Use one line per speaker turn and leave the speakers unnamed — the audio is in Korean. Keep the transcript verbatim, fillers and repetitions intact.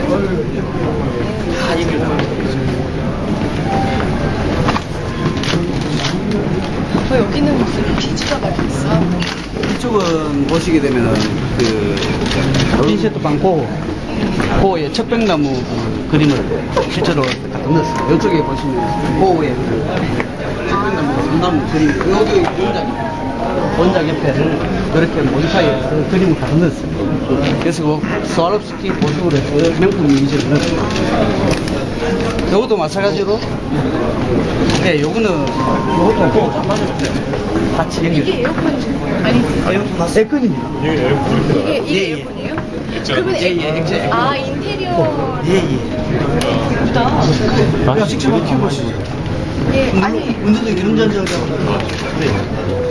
다 얘기를 하고
어, 여기는 무슨 비즈가 있어?
이쪽은 보시게 되면은 그 핀셋도 많고 고의 척백나무 그 그림을 실제로 갖다 넣었어요. 이쪽에 보시면 고의 그 척백나무 삼나무 그림 여기 원작 원작 옆에를 이렇게 몬타이에서 그림을 갖다 넣었어요. 그래서 그 스와롭스키 보식으로 해서 명품 이미지를 넣었어요. 요것도 마찬가지로 네, 요거는 요것도 고 같이 연결.
이게 에어컨이 아니지?
에어컨 맞 에어컨입니다.
이게 에어컨
이게, 이게
예, 예.
에어컨이에요?
액자.
그러면
예, 예, 액자, 액자.
아, 인테리어.
예, 예.
예쁘다.
야, 직접 이렇게 보시죠.
예, 아니.
운전도 운전자가. 네.